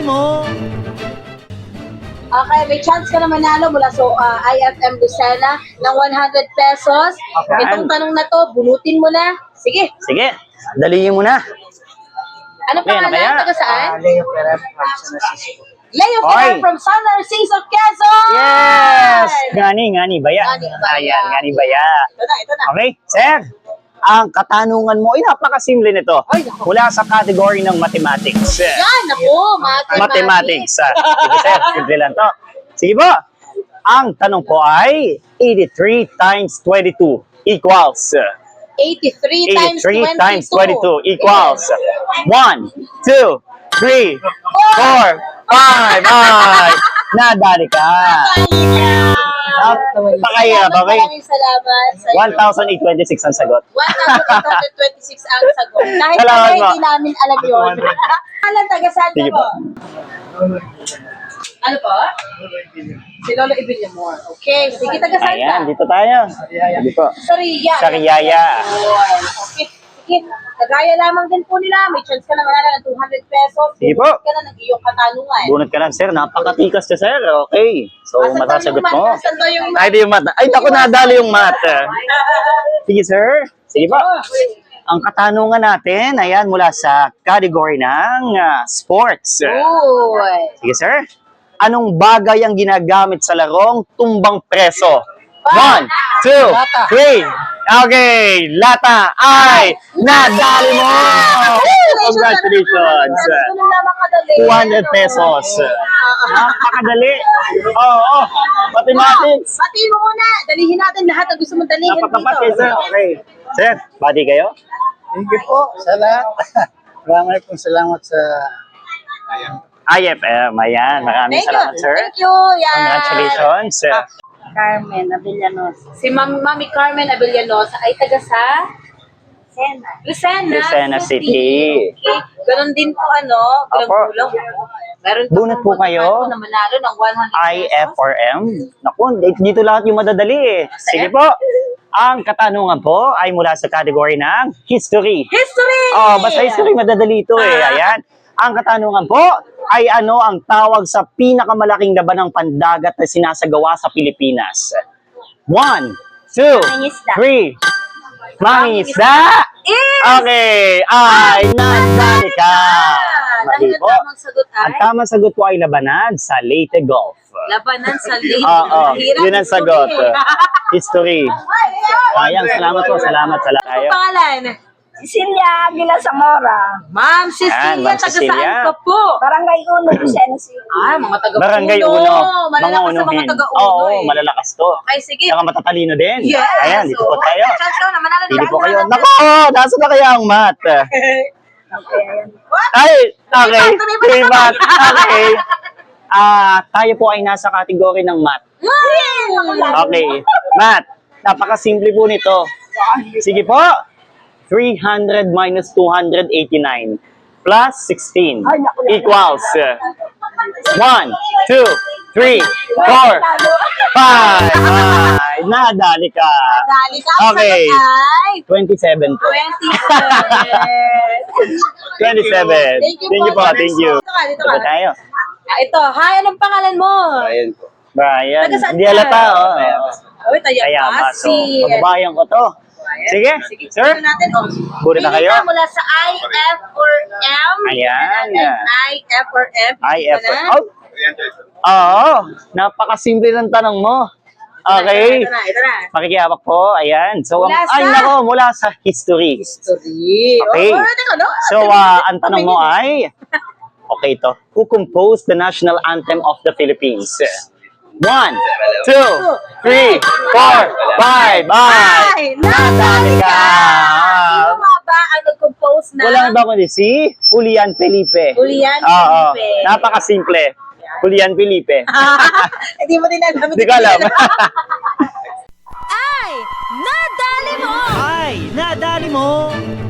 nadali mo. Okay, may chance ka na manalo mula sa IFM Lucena ng 100 pesos. Okay. Itong tanong na to, bunutin mo na. Sige. Sige, dalihin mo na. Ano Okay, ano pangalan? kaya? Taga saan? Leo Ferrer from San Francisco. Leo Oy. Ferrer from San Narciso, Quezon! Yes! Ngani baya. Ngani baya. Ayan, ngani baya. Ito na. Okay, sir. Ang katanungan mo ay napakasimple nito. Ay, naku. Mula sa category ng mathematics. Yan, ako, Mathematics. Sige, sir, simple lang to. Sige po. Ang tanong po ay 83 times 22 equals 83 times 83 times 22 22 equals 1, 2, 3, 4, 5. Ay, nadali ka. Napakahirap, okay? Maraming salamat sa iyo. 1,826 ang sagot. 1,826 ang sagot. Kahit Salamat kami po. hindi namin alam yun. Alam, taga saan ka Sige po? po. Ano po? Si Lolo Ibillamor. Okay, sige, taga saan ka? Ayan, dito tayo. Sige po. Sa Ria. Sa Riyaya. Okay, sige. Kagaya lamang din po nila. May chance ka na manala ng 200 pesos. Sige po. Bunot ka na ng iyong katanungan. Bunot ka lang, sir. Napakatikas ka, sir. Okay. So, Asan daw matasagot yung mat? mo. Asan daw yung mat? Ay, di yung mat. Ay, naku, nadali yung mat. Sige, sir. Sige po. Ang katanungan natin, ayan, mula sa category ng sports. Uy. Sige, sir. Anong bagay ang ginagamit sa larong tumbang preso? 1, 2, 3. Okay, lata ay nadali mo! Congratulations! Ano lamang kadali? 200 pesos. Napakadali. Oo, mathematics. Batiin mo muna. Dalihin natin lahat na gusto mong dalihin Napakapat kayo, dito. sir. Okay. Sir, bati kayo? Thank you po sa lahat. Maraming pong salamat sa IFM, ayan. Maraming Thank you. salamat, sir. Thank you. Yan. Congratulations. Carmen Abellanos. Si Mami Carmen Abellanos ay taga sa Lucena City. Okay. Ganon din po Opo. gulang-gulang. Meron pa Bunot po kayo. na manalo ng 100 pesos. IFRM. Naku, dito lahat yung madadali eh. Sige po. Ang katanungan po ay mula sa category ng history. History! Oh, basta history madadali ito eh. Ayan. Ang katanungan po ay ano ang tawag sa pinakamalaking laban ng pandagat na sinasagawa sa Pilipinas? 1, 2, Mangingisda. 3. Mangingisda! Okay. Ay, nadali ka. Mali Dahil po. ang tamang sagot Ang ay tamang sagot po ay labanan sa Leyte Gulf. labanan sa late. Oo, Mahirap yun ang history sagot. eh. History. Sayang, salamat po, salamat. Ano Kayo. pangalan? Cecilia Aguila Zamora, Ma'am Cecilia, Ma'am taga Cecilia. saan ka po? Barangay Uno, Lucena City. Mga taga Barangay Uno. Uno. Malalakas sa mga unuhin. taga Uno Oo, eh. malalakas to. Okay, sige. Saka matatalino din. Yes. Ayan, dito po tayo. Chance ka na manalo ng Dito po 100 kayo. pesos. Nako, nasa na kaya ang mat? What? Ay, okay. Tuloy pa, Tuloy tuloy mat. Okay. Tayo po ay nasa kategory ng mat. Okay. Mat, napakasimple po nito. Sige po. 300 minus 289 plus 16 equals 1, 2, 3, 4, 5. Ay, nadali ka. Dali ka. Ang Okay. sagot ay 27 po. 27. 27. Thank you po. Thank you. Dito ka, dito Ito ka. tayo. Ito, hi, anong pangalan mo? Brian. Taga saan Hindi ka? halata. Oh. Uy, tayo Kaya pa. maso. Kababayan ko to. Sige, sir. Tignan natin, oh. Buri na Pili kayo. ka mula sa I, F, or M. Ayan. I, F, or M. IF. Pili ka na. Oh. Oo. Napakasimple ng tanong mo. Okay. Ito na. Pakikihawak po. Ayan. So, Mula ay sa- nako, mula sa history. History. Okay. Oh, teka, no? So, ang tanong mo ay, okay to, who composed the national anthem of the Philippines? 1, 2, 3, 4, 5. Ay! Nadali ka! Sino nga ba ang nag-compose na? Walang iba kundi si Julian Felipe. Julian Oo. Felipe. Napakasimple. Julian Felipe. Hindi mo din alam. Hindi ko alam. Ay, nadali mo!